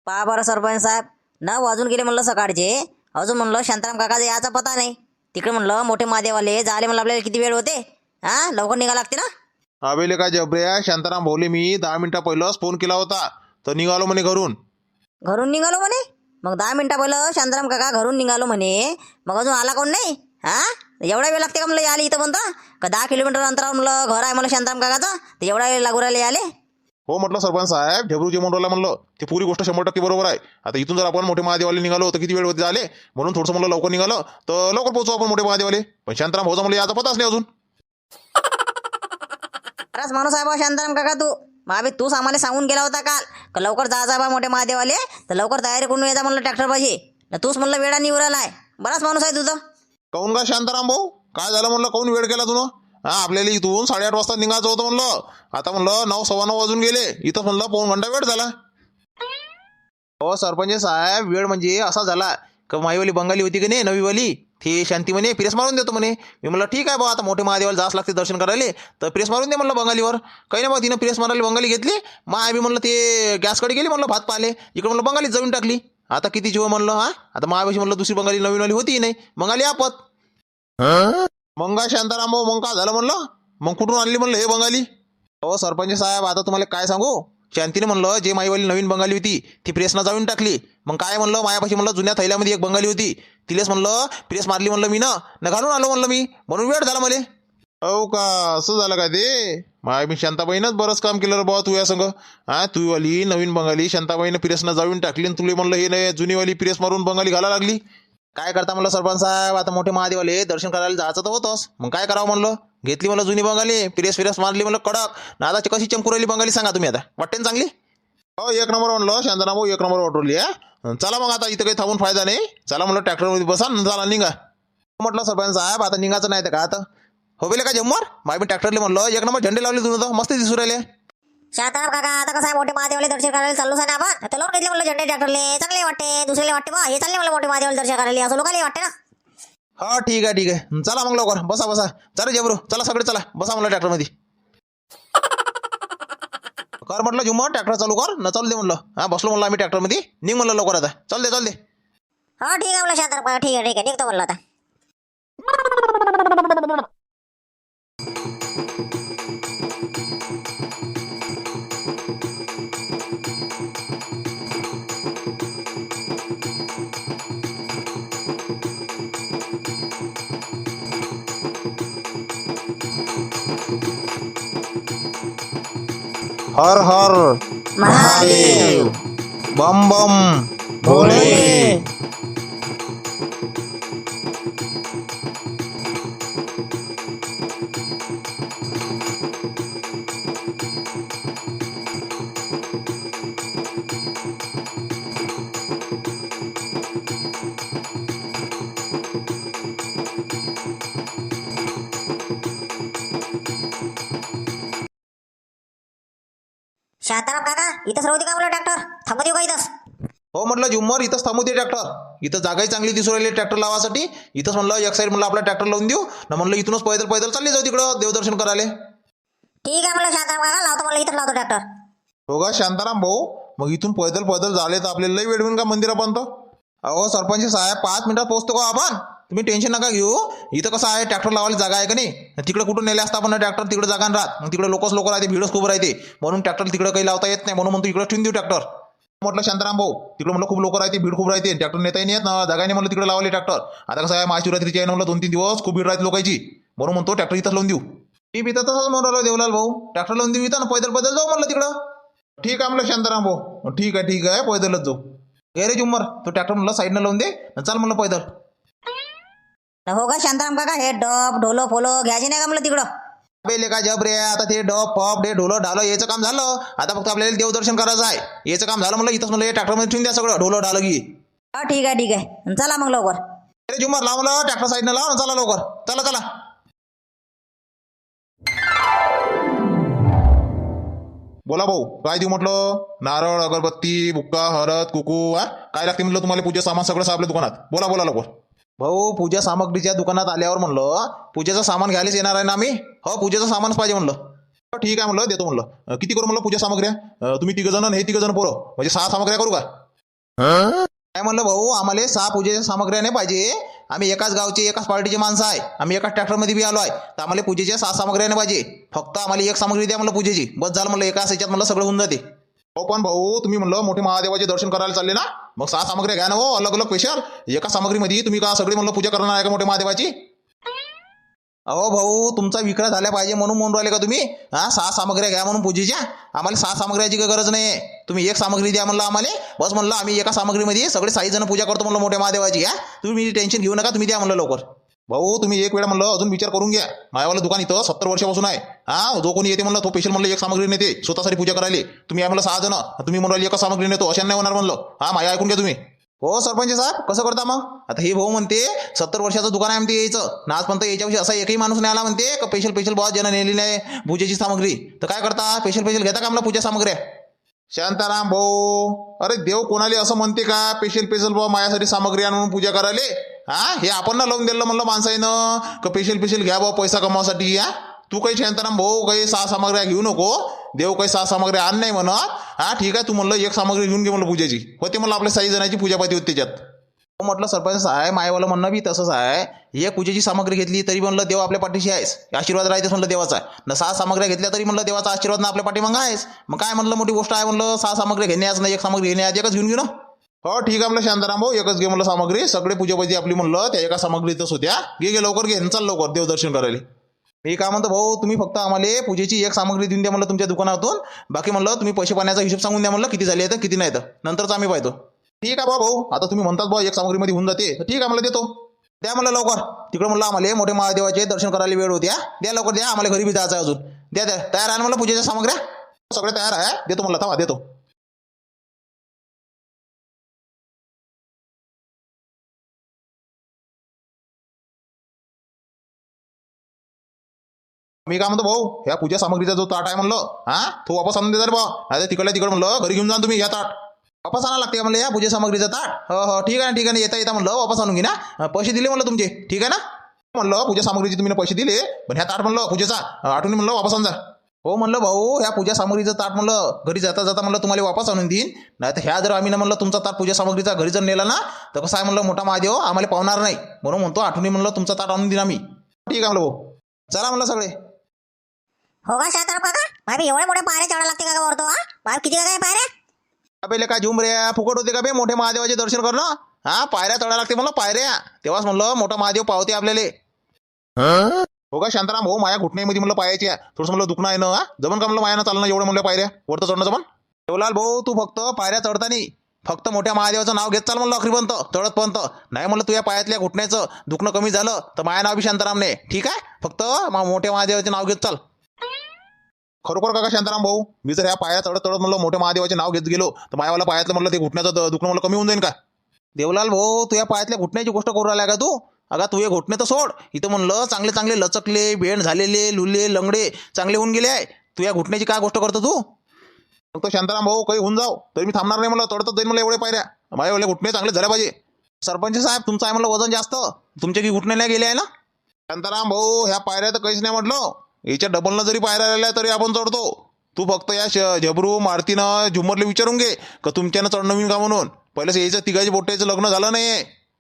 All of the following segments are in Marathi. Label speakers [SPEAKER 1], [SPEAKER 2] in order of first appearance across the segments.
[SPEAKER 1] पहा बरं सरपंच साहेब, 9 वाजून गेले म्हणलं सकाळचे. अजून म्हणलं शांताराम काकाचा याचा पता नाही. तिकडे म्हणलं मोठे महादेवाले जाले म्हणलं आपल्याला किती वेळ होते. लवकर निघा लागते ना.
[SPEAKER 2] अबेले काय जबऱ्या, शांताराम भाऊले मी 10 मिनिटा पहिलंच फोन केला होता, तर निघालो म्हणे घरून.
[SPEAKER 1] घरून निघालो म्हणे. मग 10 मिनिटा पहिलं शांताराम काका घरून निघालो म्हणे. मग अजून आला कोण नाही? एवढा वेळ लागते का म्हणलं याले इथं म्हणता का? 10 किलोमीटर अंतरावर म्हणलं घर आहे म्हणलं शांताराम काकाचं, तर एवढा वेळ लागू राहिले याले.
[SPEAKER 2] हो म्हटलं सरपंच साहेब, झबरू जे म्हणून म्हणलं ते पुरी गोष्ट 100% बरोबर आहे. आता इथून जर आपण मोठे महादेवाले निघालो तर किती वेळ होते झाले, म्हणून थोडंसं म्हणलं लवकर निघालं तर लवकर पोहोचू आपण मोठे महादेवाले. पण शांताराम भाऊचा म्हणलं याचा पताच नाही अजून.
[SPEAKER 1] खरंच माणूस आहे बा शांताराम काका तू. महाबी तूच आम्हाला सांगून गेला होता काल का लवकर जायचा बा मोठे महादेवाले, तर लवकर तयारी करून येता म्हणलं ट्रॅक्टर पाहिजे. तूच म्हणलं वेळा निवराला आहे. बराच माणूस आहे तुझं.
[SPEAKER 2] काहून का शांताराम भाऊ, काय झालं म्हणलं, काहून वेळ केला तुनं? आपल्याला इथून 8:30 वाजता निघायचं होतं म्हणलं. आता म्हणलं 9, 9:15 वाजून गेले. इथं म्हणलं पाऊण घंटा वेळ झाला. हो सरपंच साहेब, वेळ म्हणजे असा झाला का माईवाली बंगाली होती की नाही नवीवाली, ती शांती म्हणे प्रेस मारून देतो म्हणे. मी म्हणलं ठीक आहे बा, आता मोठे महादेवाला जास लागते दर्शन करायला, तर प्रेस मारून दे म्हणलं बंगालीवर. काही नाही बा, तिनं प्रेस मारायला बंगाली घेतली. मग आम्ही म्हणलं ते गॅसकडे गेली म्हणलं भात पाले, इकडे म्हणलं बंगालीत जाऊन टाकली. आता किती जीव म्हणलं. आता महावेशी म्हणलं दुसरी बंगाली नवीनवाली होती नाही, बंगाली आपत. मग काय शांताराम भाऊ, मग काय झालं म्हणलं, मग कुठून आणली म्हणलं हे बंगाली? हो सरपंच साहेब, आता तुम्हाला काय सांगू, शांतीने म्हणलं जे माईवाली नवीन बंगाली होती ती प्रेसनं जाऊन टाकली. मग काय म्हणलं, मायापाशी म्हणलं जुन्या थैल्यामध्ये एक बंगाली होती, तिलेच म्हणलं प्रेस मारली म्हणलं मी न घालून आलो म्हणलं मी, म्हणून वेळ झाला मला. हो का, असं झालं का ते? माय मी शांताबाईनंच बरंच काम केलं रे बाबा तू या संग. तू वाली नवीन बंगाली शांताबाईनं प्रेसनं जाऊन टाकली, आणि तुले म्हणलं हे नाही जुनीवाली प्रेस मारून बंगाली घाला लागली. काय करता म्हणलं सरपंच साहेब, आता मोठे महादेवाले दर्शन करायला जायचं तर होतंच. मग काय करावं म्हणलं, घेतली म्हणलं जुनी बंगाली, प्रेस मारली म्हणलं कडक. ना आता कशी चमकू राहिली बंगाली सांगा तुम्ही, आता वाटते ना चांगली? हो एक नंबर म्हणलं शांताराम भाऊ, एक नंबर वाटवली. चला मग आता इथं काही थांबून फायदा नाही. चला म्हणलं ट्रॅक्टरमध्ये बसा, चला निघा म्हटलं सरपंच साहेब. आता निघायचं नाही तर का आता हो बेले का जम्मर माय मी ट्रॅक्टरले म्हणलं एक नंबर झेंडे लावले तुझं, मस्त दिसू राहिले.
[SPEAKER 1] शांताराम काका आता कसं आहे, मोठे महादेवाले दर्शन करायला चाललो आहे ना आपण, तर लोक घेतले म्हणलं झेंडे ट्रॅक्टरले, चांगले वाटते. दुसऱ्याला वाटते बा हे चालले मला मोठे महादेवाले दर्शन करायला, असं लोकांना वाटते ना.
[SPEAKER 2] हा ठीक आहे, चला मग लवकर बसा. चला जबरू, चला सगळे चला बसा म्हणलं ट्रॅक्टरमध्ये. कर म्हटलं झुम्मर, ट्रॅक्टर चालू कर न, चालू दे म्हणलं. बसलो म्हणलं आम्ही ट्रॅक्टरमध्ये, निघ म्हणलं लवकर आता. चल दे.
[SPEAKER 1] हो ठीक आहे म्हणलं शांताराम काका, ठीक आहे निघतो म्हणलं आता.
[SPEAKER 2] हर हर
[SPEAKER 1] महादेव
[SPEAKER 2] बम बम
[SPEAKER 1] भोले. शांताराम काका इथंच राहू दे का म्हणलं ट्रॅक्टर, थांबत येऊ का इथंच?
[SPEAKER 2] हो म्हटलं झुम्मर, इथंच थांबू दे ट्रॅक्टर. इथं जागाही चांगली दिसू राहिली ट्रॅक्टर लावासाठी. इथंच म्हणलं एक साईड म्हणलं आपला ट्रॅक्टर लावून देऊ ना, म्हणलं इथूनच पैदल चालली जाऊ तिकडं देवदर्शन करायला.
[SPEAKER 1] ठीक आहे म्हणलं शांताराम काका, लावतो म्हणलं इथंच लावतो ट्रॅक्टर.
[SPEAKER 2] हो का शांताराम भाऊ, मग इथून पैदल झाले तर आपल्याला लई वेळ होईल का मंदिरापर्यंत? अहो सरपंच साहेब 5 मिनिटात पोहोचतो का आपण, तुम्ही टेन्शन नका घेऊ. इथं कसं आहे, ट्रॅक्टर लावायला जागा आहे का नाही, तिकडे कुठून नेले असता आपण ट्रॅक्टर, तिकडे जागा राहत, मग तिकडे लोकच राहते, भीडच खूप राहते, म्हणून ट्रॅक्टर तिकडे काही लावता येत नाही, म्हणून म्हणतो इकडे ठेवून देऊ ट्रॅक्टर. म्हटलं शांताराम भाऊ, तिकडे म्हणलं खूप लोक राहते, भीड खूप राहते, ट्रॅक्टर नेताही नाही येत ना, जागा नाही म्हणलं तिकडे लावले ट्रॅक्टर. आता कसं आहे, महाशिवरात्रीची आहे म्हणलं 2-3 दिवस खूप भीड राहते लोकांची, म्हणून म्हणतो ट्रॅक्टर इथंच लावून देऊ. मी इथं तसंच म्हणून राहिलो देवलाल भाऊ, ट्रॅक्टर लावून देऊ इथं ना, पैदल जाऊ म्हणलं तिकडं. ठीक आहे म्हणलं शांताराम भाऊ, ठीक आहे पैदलच जाऊ. रे जुम्मर, तो ट्रॅक्टर म्हणलं साईडनं लावून दे, चाल म्हणलं पैदल.
[SPEAKER 1] हो का शांताराम काका, हे डब ढोलो फोलो घ्यायचे नाही का म्हणलं तिकडं?
[SPEAKER 2] बेले का जब रे, आता ते डप फप डे ढोलं ढालं याचं काम झालं, आता फक्त आपल्याला देवदर्शन करायचं आहे, याचं काम झालं म्हणलं. इथंच म्हणलं ट्रॅक्टरमध्ये ठेवून द्या सगळं ढोलं ढालं की.
[SPEAKER 1] हा ठीक आहे चला मग लवकर.
[SPEAKER 2] अरे जुम्मर लाव म्हणलं ट्रॅक्टर साईडनं लाव, चला लवकर चला. बोला भाऊ, काय देऊ म्हटलं? नारळ, अगरबत्ती, बुक्का, हळद, कुकू, काय लागते म्हटलं तुम्हाला पूजा सामान सगळं आपल्या दुकानात? बोला लवकर. भाऊ पूजा सामग्रीच्या दुकानात आल्यावर म्हणलं पूजेचं सामान घ्यायलाच येणार आहे ना आम्ही. हो पूजेचं सामानच पाहिजे म्हणलं. ठीक आहे म्हणलं देतो म्हणलं. किती करू म्हणलं पूजा सामग्र्या? तुम्ही 3 जण हे 3 जण पोरं म्हणजे 6 सामग्र्या करू का? काय म्हणलं भाऊ, आम्हाला 6 पूजेच्या सामग्र्या नाही पाहिजे. आम्ही एकाच गावचे एकाच पार्टीचे माणसं आहे. आम्ही एकाच ट्रॅक्टरमध्ये बी आलो आहे. तर आम्हाला पूजेच्या 6 सामग्र्या नाही पाहिजे. फक्त आम्हाला एक सामग्री द्या म्हणलं पूजेची. बस झालं म्हणलं, एकाच ह्याच्यात म्हणलं सगळं होऊन जाते. हो पण भाऊ, तुम्ही म्हणलं मोठे महादेवाचे दर्शन करायला चालले ना, मग 6 सामग्र्या घ्या ना हो, अलग अलग स्पेशल. एका सामग्रीमध्ये तुम्ही का सगळी म्हणलं पूजा करणार आहे का मोठे महादेवाची? अहो भाऊ, तुमचा विक्रय झाला पाहिजे म्हणून राहिले का तुम्ही? 6 सामग्र्या घ्या म्हणून पूजेच्या. आम्हाला 6 सामग्र्याची काही गरज नाही. तुम्ही एक सामग्री द्या म्हणलं आम्हाला. बस म्हणलं आम्ही एका सामग्रीमध्ये सगळे 6 जण पूजा करतो म्हणलं मोठ्या महादेवाची. तुम्ही टेन्शन घेऊ नका, तुम्ही द्या म्हणलं लवकर. भाऊ तुम्ही एक वेळा म्हणलं अजून विचार करून घ्या. मायावालं दुकान इथं 70 वर्षापासून आहे. जो कोणी येते म्हणलं तो स्पेशल म्हणलं एक सामग्री नेते स्वतःसाठी पूजा करायला. तुम्ही आहे म्हणलं 6 जण, तुम्ही म्हणून एका सामग्री नेतो, अशा नाही होणार म्हणलं. माया ऐकून घ्या तुम्ही. हो सरपंच साहेब, कसं करता मग? आता हे भाऊ म्हणते 70 वर्षाचं दुकान आहे म्हणते यायचं ना, आजपर्यंत याच्याविषयी असा एकही माणूस नाही आला म्हणते का स्पेशल बॉस ज्यानं नेली नाही पूजेची सामग्री. तर काय करता, स्पेशल घेता का म्हणलं पूजा सामग्र्या? शांताराम भाऊ, अरे देव कोणाला असं म्हणते का स्पेशल बॉ माझ्यासाठी सामग्री आणून पूजा करायला? हे आपण ना लावून दिलं म्हणलं माणसाईनं का स्पेशल घ्या बा पैसा कमावासाठी. तू काही शांताराम भाऊ काही 6 सामग्र्या घेऊ नको. देव काही 6 सामग्र्या आण नाही म्हणत. ठीक आहे, तू म्हणलं एक सामग्री घेऊन घे म्हणलं पूजेची. होते म्हणलं आपल्या 6 जणांची पूजापाती होती त्याच्यात. म्हटलं सरपंच आहे, मायवालं म्हणणं बी तसंच आहे. एक पूजेची सामग्री घेतली तरी म्हणलं देव आपल्या पाठीशी आहेस, आशीर्वाद राहतेच म्हणलं देवाचा. न 6 सामग्र्या घेतल्या तरी म्हणलं देवाचा आशीर्वाद ना आपल्या पाठीमागं आहेस. मग काय म्हणलं मोठी गोष्ट आहे म्हणलं 6 सामग्री घेण्यास ना एक सामग्री घेण्यास, एकच घेऊन घेऊ ना. हो ठीक आहे म्हणलं शांताराम भाऊ, एकच घे म्हणलं सामग्री. सगळे पूजापाती आपली म्हणलं त्या एका सामग्रीतच होत्या. घे लवकर घे, चल लवकर देवदर्शन करायला. मी काय म्हणतो भाऊ, तुम्ही फक्त आम्हाला पूजेची एक सामग्री देऊन द्या म्हणलं तुमच्या दुकानातून. बाकी म्हणलं तुम्ही पैसे पाण्याचा हिशोब सांगून द्या म्हणलं, किती झाले तर किती नाही तर नंतरच आम्ही पाहतो. ठीक आहे भाऊ, आता तुम्ही म्हणतात भाऊ एक सामग्रीमध्ये होऊन जाते, ठीक आहे मला देतो. द्या म्हणलं लवकर. तिकडं म्हणलं आम्हाला मोठे महादेवाचे दर्शन करायला वेळ होत्या. द्या लवकर द्या, आम्हाला घरी बी जायचं अजून. द्या तयार आहे म्हणलं पूजेच्या सामग्र्या सगळे तयार आहे. देतो म्हणलं, थांबा देतो. मी काय म्हणतो भाऊ, ह्या पूजा सामग्रीचा जो ताट आहे म्हणलं तो वापस आणून देणार भाऊ. आता तिकडल्या तिकडं म्हणलं घरी घेऊन जा तुम्ही. या ताट वापस आणा लागते का म्हणलं या पूजा सामग्रीचा ताट? हो ठीक आहे ठीक आहे, येता म्हणलं वापस आणून घे ना. पैसे दिले म्हणलं तुमचे, ठीक आहे ना म्हणलं. पूजा सामग्रीचे तुम्ही पैसे दिले, पण ह्या ताट म्हणलं पूजेचा आठवणी म्हणलं वापस आणजा. हो म्हणलं भाऊ, ह्या पूजा सामग्रीचं ताट म्हणलं घरी जाता म्हणलं तुम्हाला वापस आणून देईन. नाही तर ह्या जर आम्ही ना म्हणलं तुमचा ताट पूजा सामग्रीचा घरी जर नेला ना, तर कसं आहे म्हणलं मोठा महादेव आम्हाला पावणार नाही. म्हणून म्हणतो आठवणी म्हणलं तुमचा ताट आणून देईन आम्ही. ठीक आहे म्हणलं भाऊ, चला म्हणलं सगळे.
[SPEAKER 1] हो का शांताराम काका, भाई एवढ्या मोठ्या पायऱ्या चढायला लागते का वरतो? भाई किती काय पायऱ्या?
[SPEAKER 2] पहिले काय झुमऱ्या फुकट होते का बे मोठे महादेवाचे दर्शन करणं? पायऱ्या चढायला लागते म्हणलं पायऱ्या, तेव्हाच म्हणलं मोठा महादेव पावते आपल्याला. हो का शांताराम भाऊ, माया घुटण्यामध्ये म्हणलं पायाची थोडंसं म्हणलं दुखणं आहे ना. जमन का म्हणलं मायानं चालणं एवढं म्हणलं पायऱ्या वरतं चढणं जमन? देवलाल भाऊ, तू फक्त पायऱ्या चढताना फक्त मोठ्या महादेवाचं नाव घेत चाल म्हणलं अखरीपर्यंत चढतपर्यंत. नाही म्हणलं तुझ्या पायातल्या घुटण्याचं दुखणं कमी झालं तर माया नाव बी शांतारामने, ठीक आहे? फक्त मोठ्या महादेवाचे नाव घेत चाल. खरोखर काका शांताराम भाऊ, मी जर ह्या पाया चढत म्हणलं मोठ्या महादेवाचे नाव घेत गेलो तर मायावाला पायातलं म्हणलं ते घुटण्याचं दुखणं म्हणलं कमी होऊन जाईल का? देवलाल भाऊ, तू या पायातल्या घुटण्याची गोष्ट करू राहिला का तू? अगा तू हे घुटणे तर सोड, इथं म्हणलं चांगले चांगले लचकले बेंड झालेले लुले लंगडे चांगले होऊन गेले आहे. तू या घुटण्याची काय गोष्ट करतो तू? फक्त शांताराम भाऊ काही होऊन जाऊ तरी मी थांबणार नाही म्हणलं, चढतच जाईल मला एवढे पायऱ्या. माझ्यावाले घुटणे चांगले झाले पाहिजे. सरपंच साहेब, तुमचं आहे म्हणलं वजन जास्त, तुमचे की घुटणे नाही गेले आहे ना? शांताराम भाऊ, ह्या पायऱ्या तर काहीच नाही म्हटलं, याच्या डबलनं जरी पायऱ्या राहिल्या तरी आपण चढतो. तू फक्त या झबरू मारतीनं झुमरला विचारून घे का तुमच्यानं चढणं होईन का म्हणून. पहिलेच यायचं तिघाची बोट्याचं लग्न झालं नाही.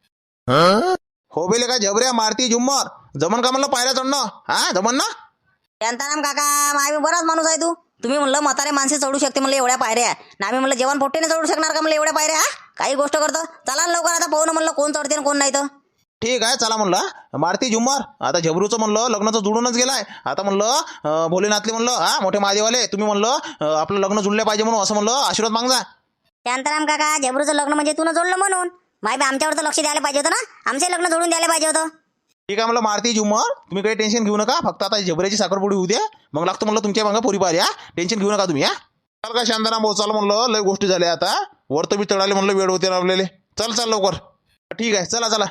[SPEAKER 2] हो बेले काय झबऱ्या मारती झुम्मर जमन का म्हणलं पायऱ्या चढणं? जमन ना?
[SPEAKER 1] शांताराम काका, माय बराच माणूस आहे तू. तुम्ही म्हणलं म्हातारे माणसे चढू शकते म्हणलं एवढ्या पायऱ्या, ना आम्ही म्हणलं जेवण पोट्टेने चढू शकणार का म्हणलं एवढ्या पायऱ्या? काही गोष्ट करतो. चला लवकर आता पाहू ना म्हणलं कोण चढते कोण नाही तर.
[SPEAKER 2] ठीक आहे चला म्हणलं. मारती झुम्मर आता झबरूचं म्हणलं लग्नाचं जुळूनच गेलाय. आता म्हणलं भोलेनाथले म्हणलं मोठे महादेवाले तुम्ही म्हणलं आपलं लग्न जुळलं पाहिजे म्हणून असं म्हणलं आशीर्वाद मागजा.
[SPEAKER 1] शांताराम काका, झबरूचं लग्न म्हणजे तू जोडलं म्हणून माय आमच्यावर तर लक्ष द्यायला पाहिजे होतं ना, आमचे लग्न जोडून द्यायला पाहिजे होतं.
[SPEAKER 2] ठीक आहे म्हणलं मारती झुम्मर, तुम्ही काही टेन्शन घेऊ नका. फक्त आता झबऱ्याची साखरपुडी होऊ द्या, मग लागतो म्हणलं तुमच्या मागं पोरी पाहिजे. टेन्शन घेऊ नका तुम्ही. चल का शांताराम भाऊ, चल म्हणलं लय गोष्टी झाल्या आता, वर तर मी चढाले म्हणलं वेळ होते ना आपल्याला. चल लवकर. ठीक आहे चला.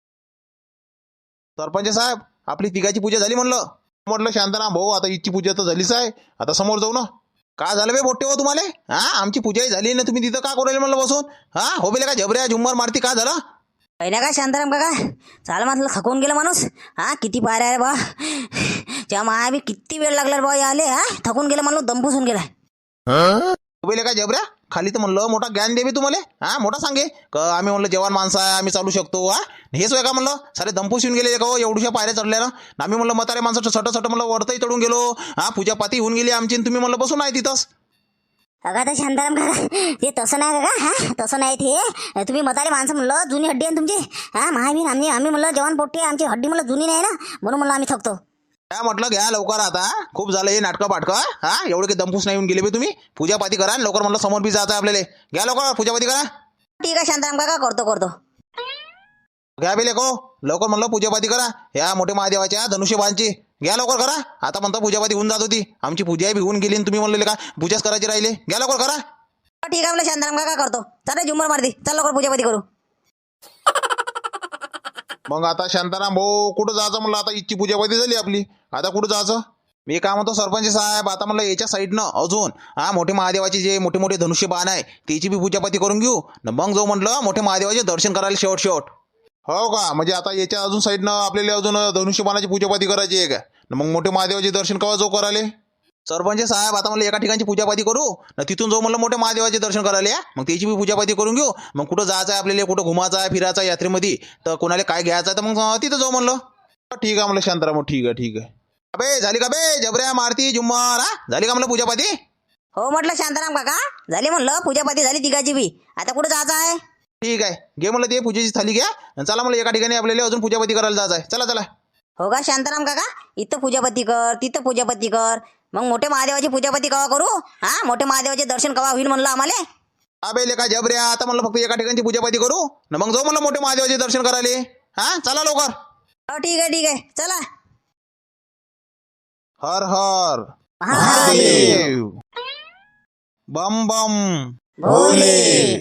[SPEAKER 2] सरपंच साहेब, आपली तिघाची पूजा झाली म्हणलं शांताराम भाऊ, आता हिची पूजा तर झालीच आहे, आता समोर जाऊ ना. का झालं बे बोट्टे हो तुम्हाला? आमची पूजाही झाली ना, तुम्ही तिथं का करू म्हणलं बसून? हो बेले का झबऱ्या झुम्मर मारती का झालं?
[SPEAKER 1] काही ना काय शांताराम काका, चाल म्हटलं थकून गेलं माणूस. किती पायऱ्या रे बा, त्या माया बी किती वेळ लागला बा आले. थकून गेलं म्हणलं, दम पुसून गेलाय.
[SPEAKER 2] बेले का झबऱ्या खाली तर म्हणलं मोठा ज्ञान देवे तुम्हाला. हा मोठा सांगे का आम्ही म्हणलं जवान माणसं आहे, आम्ही चालू शकतो. हा हेच होय का म्हणलं, सारे दंपूस येऊन गेले का हो एवढ्या पायऱ्या चढल्या ना. आम्ही म्हणलं म्हातारे माणसं सट म्हणलं वरतही चढून गेलो. हा पूजापाती होऊन गेली आमची, तुम्ही म्हणलं बसून आहे तिथंच.
[SPEAKER 3] अगा तर शांताराम काका ते तसं नाही काका. हा तसं नाही ते तुम्ही म्हातारे माणसं म्हणलं जुनी हड्डी आहे ना तुमची. हा महावीर आम्ही म्हणलं जवान पोट्टे आमची हड्डी म्हणलं जुनी नाही ना, म्हणून म्हणलं आम्ही थकतो.
[SPEAKER 2] काय म्हटलं घ्या लवकर आता, खूप झालं हे नाटकं पाटकं. हा एवढे काही दंपूस नाही येऊन गेले बे तुम्ही. पूजापाती करा लवकर म्हणलं, समोर बी जायचं आहे आपल्याला. घ्या लवकर पूजापाती करा.
[SPEAKER 1] ठीक आहे शांताराम काका, करतो.
[SPEAKER 2] घ्या बे लेको लवकर म्हणलं पूजापाती करा ह्या मोठे महादेवाच्या धनुष्यबाणची. घ्या लवकर करा. आता म्हणता पूजापाती होऊन जात होती, आमची पूजाही बी होऊन गेली आणि तुम्ही म्हणले का पूजाच करायची राहिले. घ्या लवकर करा.
[SPEAKER 1] ठीक आहे म्हणलं शांताराम काका, करतो. चला झुंबर मारती, चल लवकर पूजापाती करू.
[SPEAKER 2] मग आता शांताराम भाऊ कुठं जायचं म्हणलं, आता इच्छी पूजापाती झाली आपली, आता कुठं जायचं. मी काय म्हणतो सरपंच साहेब, आता म्हणलं याच्या साईडनं अजून मोठे महादेवाचे जे मोठे मोठे धनुष्य बाण आहे त्याची बी पूजापाती करून घेऊ न मग जाऊ म्हटलं मोठे महादेवाचे दर्शन करायला शेवट. हो का, म्हणजे आता याच्या अजून साईडनं आपल्याला अजून धनुष्यबाणाची पूजापाती करायची आहे का. मग मोठे महादेवाचे दर्शन केव्हा जाऊ करायले सरपंच साहेब. आता म्हणलं एका ठिकाणची पूजापाती करू न तिथून जाऊ म्हणलं मोठे महादेवाचे दर्शन करायला. मग त्याची बी पूजापाती करून घेऊ. मग कुठं जायचं आहे आपल्याला, कुठं घुमायचं आहे फिरायचं आहे यात्रेमध्ये, तर कोणाला काय घ्यायचं आहे तर मग तिथं जाऊ म्हणलं. ठीक आहे म्हणलं शांताराम, ठीक आहे. अबे झाली का बे जबऱ्या मारती झुम्मर, झाली का म्हणलं पूजापाती.
[SPEAKER 1] हो म्हटलं शांताराम काका, झाली म्हणलं पूजापाती झाली तिघाची बी. आता कुठं जायचं आहे.
[SPEAKER 2] ठीक आहे घे म्हणलं ते पूजेची थाली घ्या. चला म्हणलं एका ठिकाणी आपल्याला अजून पूजापाती करायला जायचं आहे. चला.
[SPEAKER 1] हो का शांताराम काका, इथं पूजापती कर तिथं पूजापती कर, मग मोठे महादेवाची पूजापती कवा करू. हा मोठे महादेवाचे दर्शन कवा होईल म्हणलं आम्हाला.
[SPEAKER 2] अबे लेका जबऱ्या, आता म्हणलं फक्त एका ठिकाणची पूजापाती करू न मग जाऊ म्हणलं मोठे महादेवाचे दर्शन करायला. हा चला लवकर.
[SPEAKER 1] हो ठीक आहे, चला.
[SPEAKER 2] हर हर महादेव, बम बम
[SPEAKER 1] भोले,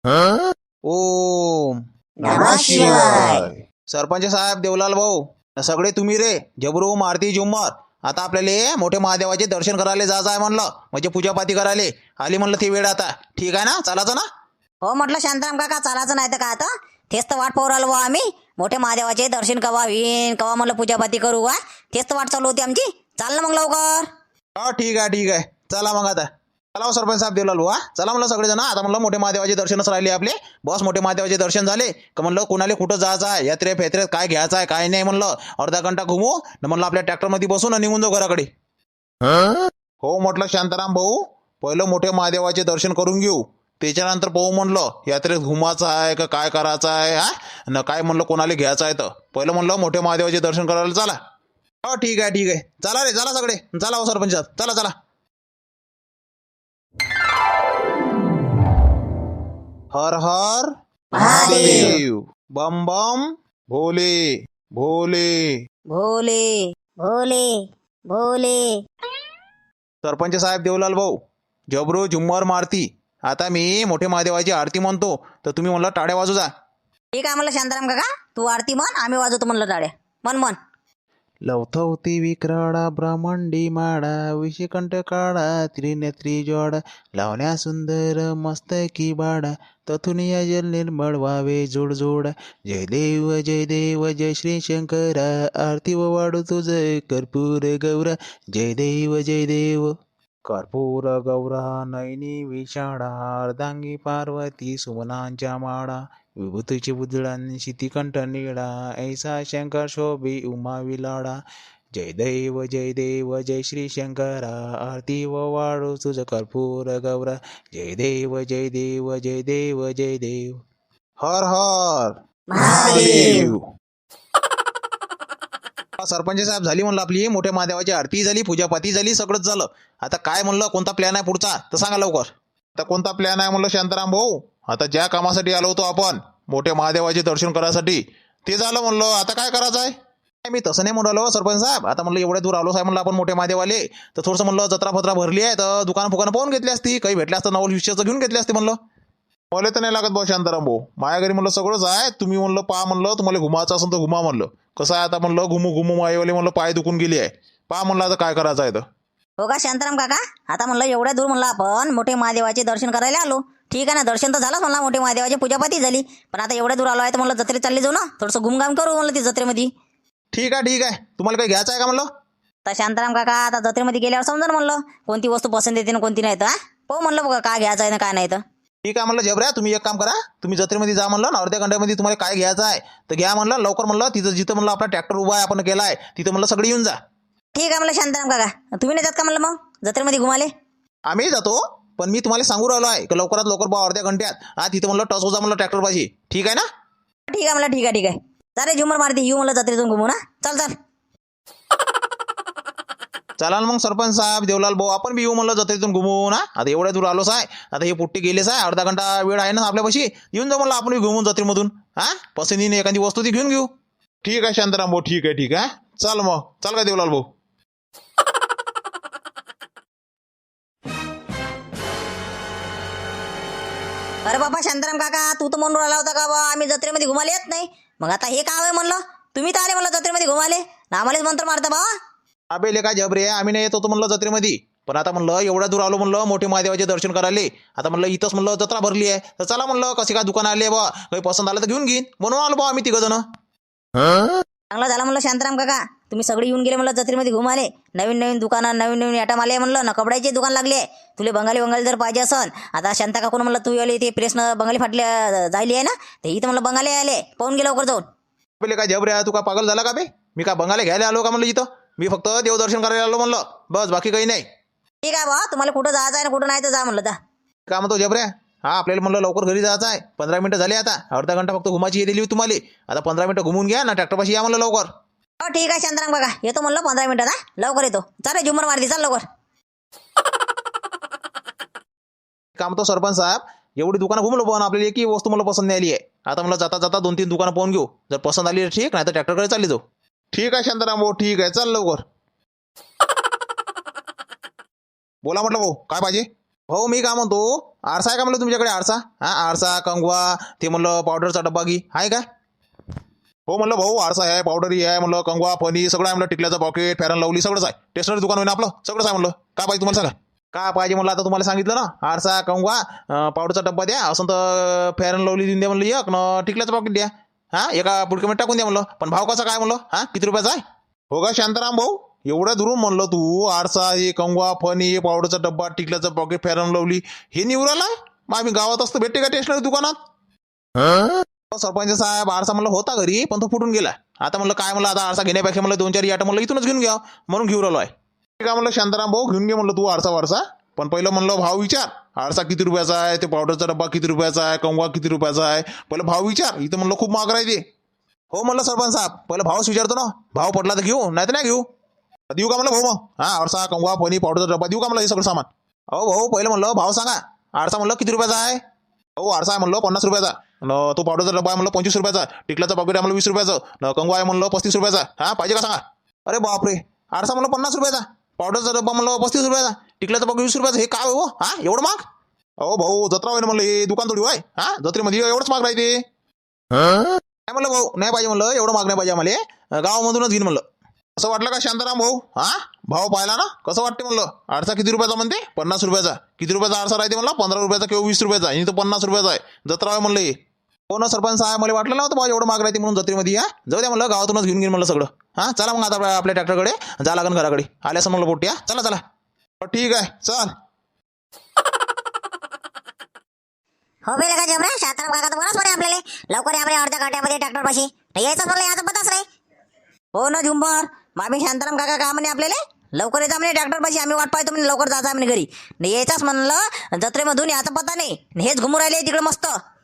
[SPEAKER 2] ओम
[SPEAKER 1] नमः शिवाय.
[SPEAKER 2] सरपंच साहेब देवलाल भाऊ सगळे तुम्ही रे जबरू मारती झुम्मर, आता आपल्याला मोठे महादेवाचे दर्शन करायला जायचं आहे म्हणलं, म्हणजे पूजापाती करायला आली म्हणलं ती वेळ आता. ठीक आहे ना, चालायचं ना.
[SPEAKER 1] हो म्हटलं शांताराम काका, चालायचं नाही तर का आता, तेच तर वाट पाहू राहिलो बुवा आम्ही. मोठे महादेवाचे दर्शन कवा होईन, कवा म्हणलं पूजापाती करू. तेच तर वाट चालू होती आमची. चाल ना मग लवकर.
[SPEAKER 2] हो ठीक आहे. चला मग आता. चला हो सरपंच साहेब देवलाल भाऊ, चला म्हणलं सगळेजण. आता म्हणलं मोठे महादेवाचे दर्शनच राहिले आपले. बस मोठे महादेवाचे दर्शन झाले का म्हणलं कोणाला कुठं जायचं आहे, यात्रे फेत्रेत काय घ्यायचं आहे काय नाही म्हणलं अर्धा घंटा घुमू न म्हणलं आपल्या ट्रॅक्टरमध्ये बसून निघून जाऊ घराकडे. हो म्हटलं शांताराम भाऊ, पहिलं मोठे महादेवाचे दर्शन करून घेऊ, त्याच्यानंतर पाहू म्हणलं यात्रेत घुमायचं आहे का काय करायचं आहे. हा न काय म्हणलं कोणाला घ्यायचं आहे तर पहिलं म्हणलं मोठे महादेवाचे दर्शन करायला चला. हो ठीक आहे. चला रे, चला सगळे, चला हो सरपंच साहेब, चला. हर हर महादेव, बम बम भोले. सरपंच साहेब देवलाल भाऊ, जबरू झुम्मर मारती, आता मी मोठे महादेवाची आरती म्हणतो तर तुम्ही म्हणलं टाळ्या वाजू जा.
[SPEAKER 1] ठीक आहे म्हणलं शांताराम काका, तू आरती म्हण, आम्ही वाजवतो म्हणलं टाळ्या. मन.
[SPEAKER 2] लवथवती विक्राळा ब्रह्मांडी माडा, विषकंठ काळा त्रिनेत्री जोडा, लावण्या सुंदर मस्तकी बाडा, तथुन या जल निर्मळ व्हावे जोड. जय देव जय श्री शंकरा, आरती व वाढू तुझ कर्पूर गौरा. जय देव कर्पूर गौरा, नयनी विशाळा, अर्धांगी पार्वती सुमनांच्या माळा, विभूतीची बुजळान शितिकंठ निळा, ऐसा शंकर शोभी उमा विलाडा. जय देव जय श्री शंकरा, आरती व वाढू तुझ कर्पूर गौरा. जय देव जय देव. हर हर महादेव. सरपंच साहेब झाली म्हणलं आपली मोठ्या महादेवाची आरती झाली, पूजापाती झाली, सगळंच झालं. आता काय म्हणलं कोणता प्लॅन आहे पुढचा तर सांगा लवकर. आता कोणता प्लॅन आहे म्हणलं शांताराम भाऊ, आता ज्या कामासाठी आलो होतो आपण मोठ्या महादेवाचे दर्शन करायसाठी ते झालं म्हणलं, आता काय करायचं आहे. मी तसं नाही म्हणलो सरपंच साहेब, आता म्हणलं एवढ्या दूर आलो साहेब म्हणलं आपण मोठे महादेवाले, तर थोडंसं म्हणलं जत्रा फत्रा भरली आहे तर दुकान फुकानं पाहून घेतली असती, काही भेटल्या असतं नवल विषयाचं घेऊन घेतली असते म्हणलं. मला तर नाही लागत भाऊ शांताराम भाऊ, माझ्या घरी म्हणलं सगळंच आहे, तुम्ही म्हणलं पहा म्हणलं तुम्हाला घुमायचं असेल तर घुमा म्हणलं. कसं आहे आता म्हणलं घुमू माईवाले म्हणलं पाय दुखून गेली आहे, पहा म्हणलं आता काय करायचं आहे तर.
[SPEAKER 1] हो का शांताराम काका, आता म्हणलं एवढ्या दूर म्हणलं आपण मोठे महादेवाचे दर्शन करायला आलो. ठीक आहे ना, दर्शन तर झालं म्हणलं, मोठे महादेवाची पूजापाती झाली, पण आता एवढ्या दूर आलो आहे तर म्हणलं जत्रेत चालली जाऊ ना, थोडंसं घुमघाम करू म्हणलं ती जत्रेमध्ये.
[SPEAKER 2] ठीक आहे. तुम्हाला काही घ्यायचं आहे का म्हणलं.
[SPEAKER 1] तर शांताराम काका, आता जत्रेमध्ये गेल्यावर समजा म्हणलं कोणती वस्तू पसंत येते ना कोणती नाही तर. पाहू म्हणलं बघा काय घ्यायचं आहे ना काय नाही तर.
[SPEAKER 2] ठीक आहे म्हणलं जबऱ्या, तुम्ही एक काम करा, तुम्ही जत्रेमध्ये जा म्हणलं ना, अर्ध्या घंट्यामध्ये तुम्हाला काय घ्यायचं आहे तर घ्या म्हणलं, लवकर म्हणलं. तिथं जिथं म्हणलं आपला ट्रॅक्टर उभा आहे आपण केला आहे तिथं म्हणलं सगळे येऊन जा.
[SPEAKER 1] ठीक आहे म्हणलं शांताराम काका, तुम्ही नाही जात का म्हणलं मग जत्रेमध्ये घुमाले?
[SPEAKER 2] आम्ही जातो, पण मी तुम्हाला सांगू राहिलो आहे की लवकरात लवकर बा अर्ध्या घंट्यात तिथं म्हणलं टच हो जा म्हणलं ट्रॅक्टर पाशी. ठीक आहे ना?
[SPEAKER 1] ठीक आहे म्हणलं, ठीक आहे ठीक आहे. चालेल झुमर मारती येऊ म्हणलं जत्रेतून घुमू ना. चल चल.
[SPEAKER 2] चला ना मग सरपंच साहेब, देवलाल भाऊ, आपण बी येऊ म्हणलं जत्रेतून घुमू ना. आता एवढ्या दूर आलोच आहे, आता हे पुट्टी गेलेच आहे, अर्धा घंटा वेळ आहे ना आपल्यापाशी. येऊन जाऊ म्हणलं आपण बी घुमून जत्रेमधून. पसंतीने एखादी वस्तू ती घेऊन घेऊ. ठीक आहे शांताराम भाऊ, ठीक आहे ठीक आहे. चल मग, चल का देवलाल भाऊ.
[SPEAKER 1] अरे बाबा शांताराम काका, तू तर म्हणून राहिला होता का बा आम्ही जत्रेमध्ये घुमाले येत नाही. मग आता हे काय आहे म्हणलं, तुम्ही तर आले म्हणलं जत्रेमध्ये घुमाले ना, आम्हालाच मंत्र मारता बाबा.
[SPEAKER 2] अबे लेका जबरे, आम्ही नाही येत होतो म्हणलं जत्रेमध्ये, पण आता म्हणलं एवढ्या दूर आलो म्हणलं मोठे महादेवाचे दर्शन करायला. आता म्हणलं इथंच म्हणलं जत्रा भरली आहे, तर चला म्हणलं कशी काय दुकान आले बा, काही पसंत आलं तर घेऊन घेईन म्हणून आलो बा आम्ही तिघ जण.
[SPEAKER 1] चांगलं झालं म्हणलं शांताराम काका, तुम्ही सगळे येऊन गेले म्हणलं जत्रेमध्ये घुमाले. नवीन नवीन दुकानं, नवीन नवीन आयटम आले म्हणलं ना, कपड्याचे दुकान लागले. तुले बंगाली जर पाहिजे असन, आता शांता काकून म्हणलं तू आले ते प्रेसनं बंगाली फाटल्या जायली आहे ना, ते इथं म्हणलं बंगाली आले, पाहून गेलं लवकर जाऊन.
[SPEAKER 2] अबे लेका जबरे, तू का पागल झाला का बे? मी का बंगाला घ्यायला आलो का म्हणलं इथं? मी फक्त देवदर्शन करायला आलो म्हणलं, बस, बाकी काही नाही.
[SPEAKER 1] ठीक आहे बा, तुम्हाला कुठं जायचं आहे ना कुठं नाही तर जा म्हणलं जा.
[SPEAKER 2] का म्हणतो जबऱ्या? आपल्याला म्हणलं लवकर घरी जायचं आहे, 15 मिनिटं झाले, आता अर्धा घंटा फक्त घुमाची दिली होती तुम्हाला. आता 15 मिनिटं घुमून घ्या ना, ट्रॅक्टरपाशी या म्हणलं लवकर.
[SPEAKER 1] हो ठीक आहे शांताराम काका, येतो म्हणलं 15 मिनिटात. लवकर येतो. चालेल झुमर मारती, चाल लवकर.
[SPEAKER 2] का म्हणतो सरपंच साहेब, एवढी दुकानं घुमलो पण आपल्याला एकही वस्तू मला पसंत नाही आली आहे. आता मला जाता जाता 2-3 दुकानं पाहून घेऊ, जर पसंत आली तर ठीक, नाही तर ट्रॅक्टरकडे चालली जाऊ. ठीक आहे शांताराम भाऊ, ठीक आहे, चल लवकर. बोला म्हटलं भाऊ, काय पाहिजे? भाऊ मी काय म्हणतो, आरसा आहे का म्हणलं तुमच्याकडे? आरसा, आरसा, कंगवा, ते म्हणलं पावडरचा डब्बा घी आहे का? हो म्हणलं भाऊ, आरसा आहे, पावडरही आहे म्हणलं, कंगवा, फणी सगळं आहे म्हणलं, टिकल्याचं पॉकेट, फेरन लवली सगळंच आहे. स्टेशनरी दुकान होईना आपलं, सगळंच आहे म्हणलं. काय पाहिजे तुम्हाला सांगा? काय पाहिजे म्हणलं, आता तुम्हाला सांगितलं ना, आरसा, कंगवा, पावडरचा डब्बा द्या, असं तर फेरन लवली देऊन द्या म्हणलं एक, न टिकल्याचं पॉकेट द्या. एका पुडक्यामध्ये टाकून द्या म्हणलं. पण भाव कसा काय म्हणलं? किती रुपयाचा आहे? हो का शांताराम भाऊ, एवढ्या दुरून म्हणलं तू आरसा, हे कंगवा, फणी, पावडरचा डब्बा, टिकल्याचं पॉकेट, फेरन लवली हे निवराला? मग आम्ही गावात असतं भेटते का स्टेशनरी दुकानात? सरपंच साहेब, आरसा म्हणलं होता घरी, पण तो फुटून गेला. आता म्हणलं काय म्हणलं, आता आरसा घेण्यापेक्षा म्हणलं 2-4 आयटम म्हणलं इथूनच घेऊन घ्या, म्हणून घेऊन राहिलो आहे. ठीक आहे म्हणलं शांताराम भाऊ, घेऊन घे म्हणलं तू आरसा वारसा, पण पहिलं म्हणलं भाव विचार. आरसा किती रुपयाचा आहे, ते पावडरचा डब्बा किती रुपयाचा आहे, कंगवा किती रुपयाचा आहे, पहिलं भाव विचार. इथं म्हणलं खूप महाग राहते. हो म्हणलं सरपंच साहेब, पहिलं भावच विचारतो ना, भाव पडला तर घेऊ, नाही तर नाही घेऊ. देऊ का म्हणलं भाऊ मग? आरसा, कंगवा, फणी, पावडरचा डब्बा देऊ का म्हणलं हे सगळं सामान? अहो भाऊ, पहिलं म्हणलं भाव सांगा. आरसा म्हणलं किती रुपयाचा आहे? हो आरसा आहे म्हणलं 50 रुपयाचा, तो पावडरचा डब्बा आहे म्हणलं 25 रुपयाचा, टिकल्याचा पॉकेट आहे म्हणलं 20 रुपयाचं, कंगवा आहे म्हणलं 35 रुपयाचा. पाहिजे का सांगा? अरे बापरे, आरसा म्हणलं 50 रुपयाचा, पावडरचा डब्बा म्हणलं 35 रुपयाचा, टिकल्याचा पॉकेट 20 रुपयाचा, हे काय हो? एवढं माग? अहो भाऊ, जत्रा होईल म्हणलं, हे दुकान थोडी होय? जत्रेमध्ये एवढंच माग राहते. काय म्हणलं भाऊ, नाही पाहिजे म्हणलं, एवढं माग नाही पाहिजे आम्हाला, गावामधूनच घेईन म्हणलं. असं वाटलं का शांताराम भाऊ? भाव पाहिला ना, कसं वाटते म्हणलं? आरसा किती रुपयाचा म्हणते? 50 रुपयाचा. किती रुपयाचा आरसा राहते म्हणलं? 15 रुपयाचा किंवा 20 रुपयाचा, आणि तो 50 रुपयाचा आहे. जत्रा आहे म्हणलं हे. हो ना सरपंच साहेब, मला वाटलं नव्हतं भाऊ एवढं माग राहते म्हणून जत्रेमध्ये. जाऊ द्या म्हणलं, गावातूनच घेऊन घेईन म्हणलं सगळं. चला मग आता आपल्या ट्रॅक्टरकडे जा लागन घराकडे, आल्यास म्हणलं पोट्टी. चला चला. ठीक आहे, चल.
[SPEAKER 3] हो बेले का जबरा, शांताराम काका तर बोलाच बरे आपल्याला, लवकर या बरे अर्ध्या घंट्यामध्ये ट्रॅक्टर पाशी यायचं म्हणलं, याचं पताच नाही.
[SPEAKER 1] हो ना झुंबर, मामी शांताराम काका का म्हणे आपल्याला लवकर येता म्हणे ट्रॅक्टर पाशी, आम्ही वाट पाहतो म्हणे, लवकर जायचं म्हणे घरी. नाही यायचाच म्हणलं जत्रेमधून, याचा पत्ता नाही, हेच घुमू राहिले तिकडे मस्त.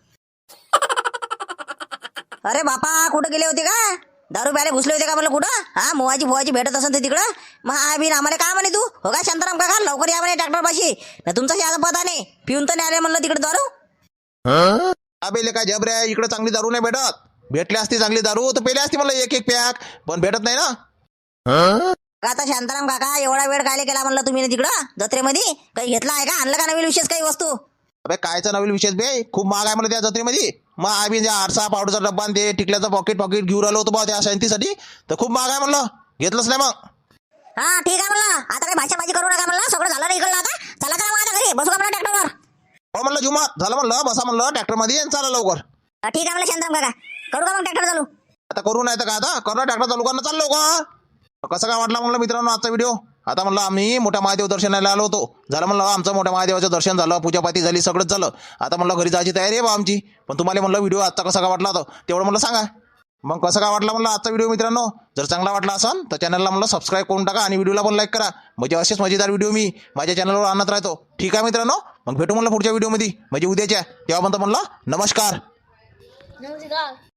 [SPEAKER 1] अरे बापा, कुठं गेले होते का? दारू प्याले घुसले होते का म्हणलं कुठं? मोवाची फोवाची भेटत असेल तर तिकडं. मग आम्हाला काय म्हणे तू? हो का शांताराम काका, लवकर या म्हणे ट्रॅक्टर पाशी, तुमचा याचा पत्ता नाही. पिऊन तर नाही आले म्हणलं तिकडे दारू.
[SPEAKER 2] अबे काय जबऱ्या, इकडे चांगली दारू नाही भेटत. भेटली असती चांगली दारू तर पेली असती मला एक पॅक, पण भेटत नाही ना.
[SPEAKER 1] आता शांताराम काका, एवढा वेळ काय केला म्हणलं तुम्ही तिकडं जत्रेमध्ये? काही घेतला आहे का? आणलं का नवीन विशेष काही वस्तू?
[SPEAKER 2] अबे कायचा नवीन विशेष बे, खूप महाग आहे मला त्या जत्रेमध्ये. मग आम्ही आरसा, पावडरचा डब्बा, ते टिकल्याचा पॉकेट घेऊन राहिलो होतो बा त्या शांतीसाठी, तर खूप महाग आहे म्हणलं, घेतलंच नाही मग.
[SPEAKER 3] ठीक आहे म्हणलं, आता काही भाषाबाजी करू नका म्हणलं, सगळं झालं नाही इकडलं. आता चला चला मग आता घरी बसू का म्हणलं ट्रॅक्टरवर?
[SPEAKER 2] हो म्हणलं जुमा झालं म्हणलं, बसा म्हणलं ट्रॅक्टरमध्ये, चला लवकर.
[SPEAKER 3] ठीक आहे म्हणलं शांताराम काका, करू का मग ट्रॅक्टर चालू?
[SPEAKER 2] आता करू नाही तर का, आता करू ट्रॅक्टर चालू करणं, चाललो का? कसं काय वाटला म्हणलं मित्रांनो आजचा व्हिडिओ? आता म्हणलं आम्ही मोठ्या महादेव दर्शनाला आलो होतो. झालं म्हणलं आमचं मोठ्या महादेवाचं दर्शन झालं, पूजापाती झाली, सगळंच झालं. आता म्हणलं घरी जायची तयारी आहे बा आमची. पण तुम्हाला म्हणलं व्हिडिओ आजचा कसा का वाटला होता तेवढं म्हणलं सांगा. मग कसं काय वाटला म्हणलं आजचा व्हिडिओ मित्रांनो? जर चांगला वाटला असेल तर चॅनलला म्हणलं सबस्क्राईब करून टाका आणि व्हिडिओला पण लाईक करा. म्हणजे असेच मजेदार व्हिडिओ मी माझ्या चॅनलवर आणत राहतो. ठीक आहे मित्रांनो, मग भेटू म्हणलं पुढच्या व्हिडिओमध्ये म्हणजे उद्याच्या. तेव्हा म्हणलं नमस्कार.